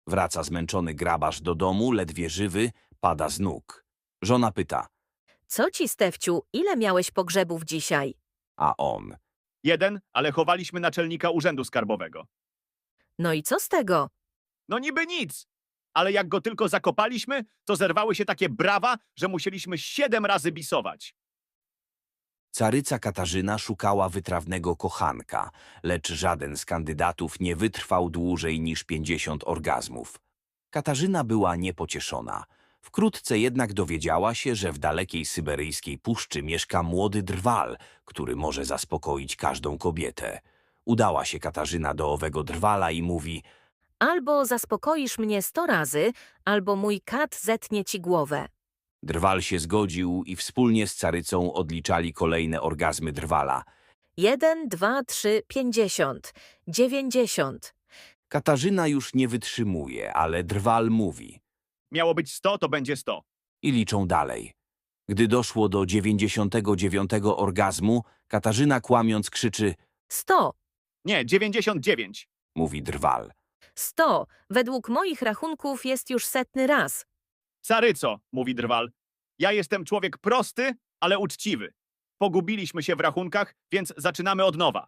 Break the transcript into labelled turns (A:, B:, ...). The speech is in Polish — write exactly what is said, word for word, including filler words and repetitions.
A: Wraca zmęczony grabarz do domu, ledwie żywy, pada z nóg. Żona pyta,
B: Co ci, Stefciu, ile miałeś pogrzebów dzisiaj?
A: a on.
C: Jeden, ale chowaliśmy naczelnika urzędu skarbowego.
B: No i co z tego?
C: No niby nic, ale jak go tylko zakopaliśmy, to zerwały się takie brawa, że musieliśmy siedem razy bisować.
A: Caryca Katarzyna szukała wytrawnego kochanka, lecz żaden z kandydatów nie wytrwał dłużej niż pięćdziesiąt orgazmów. Katarzyna była niepocieszona. Wkrótce jednak dowiedziała się, że w dalekiej syberyjskiej puszczy mieszka młody drwal, który może zaspokoić każdą kobietę. Udała się Katarzyna do owego drwala i mówi:
B: Albo zaspokoisz mnie sto razy, albo mój kat zetnie ci głowę.
A: Drwal się zgodził i wspólnie z carycą odliczali kolejne orgazmy drwala.
B: Jeden, dwa, trzy, pięćdziesiąt, dziewięćdziesiąt.
A: Katarzyna już nie wytrzymuje, ale drwal mówi.
C: Miało być sto, to będzie sto.
A: I liczą dalej. Gdy doszło do dziewięćdziesiątego dziewiątego orgazmu, Katarzyna kłamiąc krzyczy:
B: Sto,
C: Nie, dziewięćdziesiąt dziewięć.
A: mówi drwal.
B: sto. Według moich rachunków jest już setny raz.
C: Caryco, mówi drwal. Ja jestem człowiek prosty, ale uczciwy. Pogubiliśmy się w rachunkach, więc zaczynamy od nowa.